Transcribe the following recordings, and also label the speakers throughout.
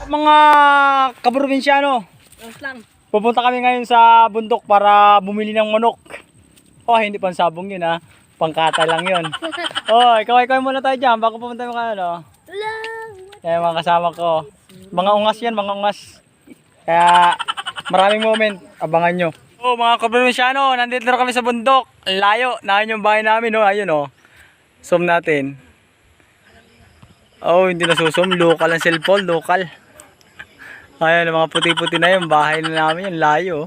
Speaker 1: Mga kaprobinsyano,
Speaker 2: lang.
Speaker 1: pupunta kami ngayon sa bundok para bumili ng manok. Oh, hindi pang sabong yun ha. Pangkata lang yun. Oh, ikaw muna tayo dyan bago pupunta mo kayo, no? Kaya mga kasama ko. Mga ungas yan, mga ungas. Kaya maraming moment, abangan nyo. Oh, mga kaprobinsyano, nandito na kami sa bundok. Ang layo, nahin yung bahay namin, no? Ayun, oh. Zoom natin. Oh, hindi na susum. Local ang cellphone, local. Ayun, mga puti-puti na yun. Bahay na namin yun, layo.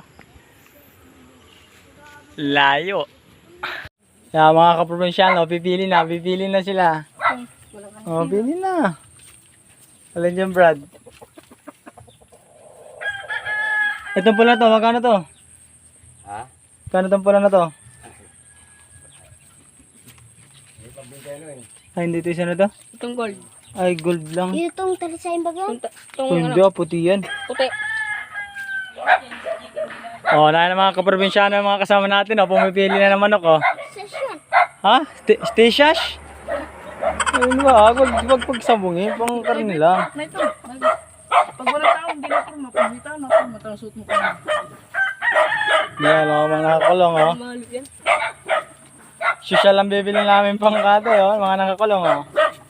Speaker 1: Layo. Kaya mga kaprobinsyano, pipili na sila. Oh, pili na. Alin dyan, Brad? Itong pula to, magkano to?
Speaker 3: Ha?
Speaker 1: Kano itong pula na to? Ay, hindi ito isa na to?
Speaker 2: Itong gold.
Speaker 1: Ay, gold lang.
Speaker 4: Itong talisayin bago?
Speaker 1: Oh, hindi puti yan.
Speaker 2: Puti.
Speaker 1: Oh, na mga kaprobinsyano yung mga kasama natin, oh, pumipili na ng manok, oh.
Speaker 4: Session.
Speaker 1: Ha? Steshash? Ayun ba, wag pagsabungin, pang karne lang.
Speaker 2: Na ito. Pag walang tao, hindi na kurma. Pag may tao, matasot mo ka na.
Speaker 1: Yan, oh, mga nakakulong, oh.
Speaker 2: Mahal yan.
Speaker 1: Social ang bibili namin pang kate, oh, mga nakakulong, oh.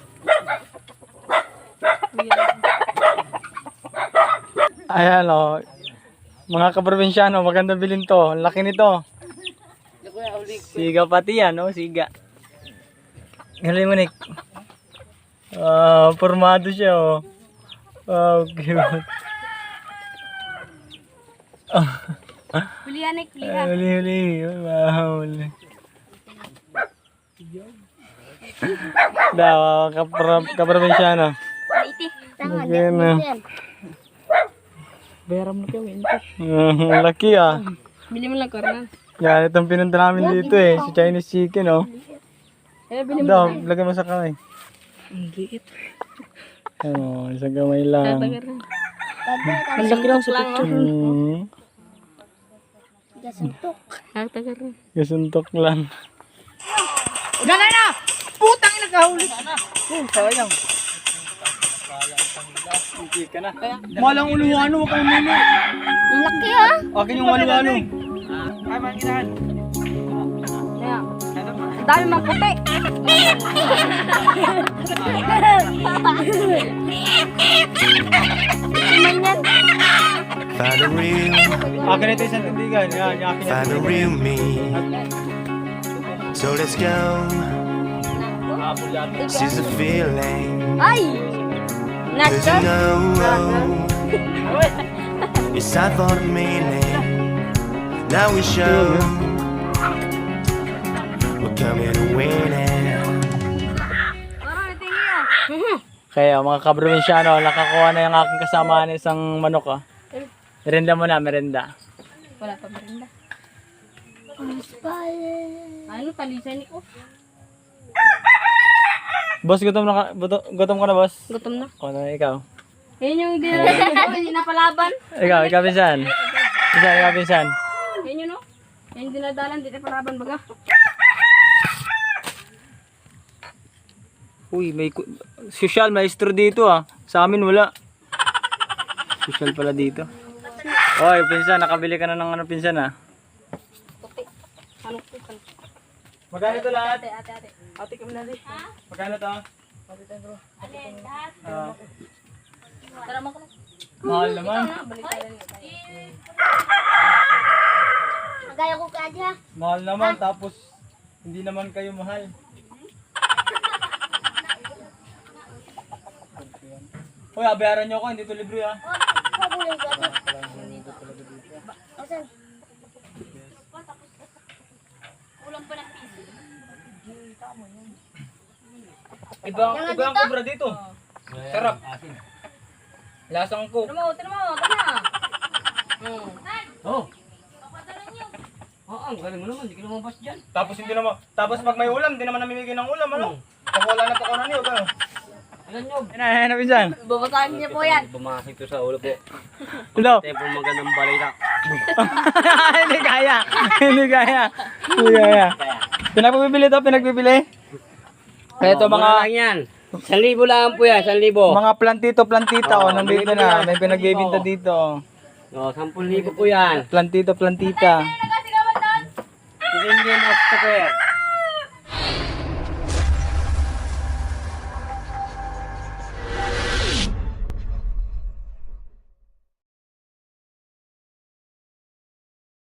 Speaker 1: Ayan, oh. Mga kaprobinsyano, maganda bilhin to. Ang laki nito. Siga pati yan, oh, siga. Galing mo, Nick. Formado siya, oh. Oh, cute.
Speaker 2: Huli yan, Nick.
Speaker 1: Huli. Wow, huli. Daw, kaprobinsyano.
Speaker 2: Iti.
Speaker 4: Tama,
Speaker 1: Again,
Speaker 4: yan.
Speaker 2: Bayaran mo na kayo, ito.
Speaker 1: Laki, ah.
Speaker 2: Bili mo lang karna.
Speaker 1: Yan, itong pinunta namin dito, eh. Si Chinese chicken, oh.
Speaker 2: Eh, bili mo
Speaker 1: Daw, lagay mo sa kamay.
Speaker 2: Ang liit.
Speaker 1: Oh, isang kamay lang.
Speaker 2: Tatagar na.
Speaker 4: Tabi,
Speaker 2: Ang laki lang sa picture.
Speaker 4: gasuntok.
Speaker 2: Tatagar na.
Speaker 1: Kasuntok lang.
Speaker 2: Ganay na! Putang ina kahuli.
Speaker 1: Sayang. Hindi ka na. Malang uluwano, huwag kang muna.
Speaker 4: Ang laki ha?
Speaker 1: Akin yung uluwano.
Speaker 3: Ay, manginan.
Speaker 2: Kaya, ang dami mang puti.
Speaker 5: Find a real,
Speaker 1: Akin ito isang tindigan. Yan, akin
Speaker 5: find a real me. So let's go. Seize the feeling.
Speaker 2: Ay!
Speaker 5: Cause you
Speaker 2: Nasa?
Speaker 5: know it's time for the meaning. Now we show we're coming to win it.
Speaker 2: Parang tingin.
Speaker 1: Kaya mga kaprobinsyano, nakakuha na yung aking kasama ng isang manok, ah. Merenda mo na, merenda.
Speaker 2: Wala pa merinda.
Speaker 4: Spy.
Speaker 2: Ano, talisay ni ko?
Speaker 1: Boss, gutom ka na, boss?
Speaker 2: Gutom na.
Speaker 1: O, na ikaw.
Speaker 2: Yan yung hindi napalaban.
Speaker 1: Ikaw, pinsan. Ikaw, pinsan.
Speaker 2: Yan yun, no? Yan yung dinadalan, hindi napalaban baga.
Speaker 1: Uy, may social maestro dito, ah. Sa amin wala. Social pala dito. Oy, pinsan, nakabili ka na ng ano, pinsan, ah.
Speaker 2: Puti. Ano po ka?
Speaker 1: Magkano ito lahat?
Speaker 2: Ate. Ate kami na rin.
Speaker 1: Magkano to?
Speaker 2: Alin, lahat. Tara mo ko na.
Speaker 1: Mahal naman.
Speaker 2: Balik tayo lang.
Speaker 4: Magaya ko ka ha?
Speaker 1: Mahal naman, tapos hindi naman kayo mahal. Uy, abayaran nyo ako, hindi ito libre, ah.
Speaker 4: Pabulay ka ha? Asan?
Speaker 2: Kulang pa ng piso.
Speaker 1: Ibang kubra dito. Sarap. Lasang ko.
Speaker 2: Tara mo. Tara.
Speaker 1: Oh.
Speaker 3: Oo, galing mo naman. Hindi ka lumabas dyan.
Speaker 1: Tapos hindi naman, tapos pag may ulam, hindi naman namimigay ng ulam, ano? Pag wala na pakunan niyo, gano'n.
Speaker 3: Alam nyo,
Speaker 1: Yan na, pinsan.
Speaker 2: Babasahin niya po yan.
Speaker 3: bumasik to sa ulo po.
Speaker 1: Hello.
Speaker 3: Tayo po magandang balay na.
Speaker 1: Hindi kaya. Hindi kaya. Pinagpipili to, pinagpipili. Ito
Speaker 3: Mura
Speaker 1: mga
Speaker 3: lang yan. 1,000 lang po yan, 1,000.
Speaker 1: Mga plantito-plantita,
Speaker 3: Oo,
Speaker 1: nandito
Speaker 3: bumili
Speaker 1: na.
Speaker 3: na.
Speaker 1: May pinagbibinta dito.
Speaker 3: O, 10,000 po yan.
Speaker 1: Plantito-plantita.
Speaker 3: Sinigyan of the fair.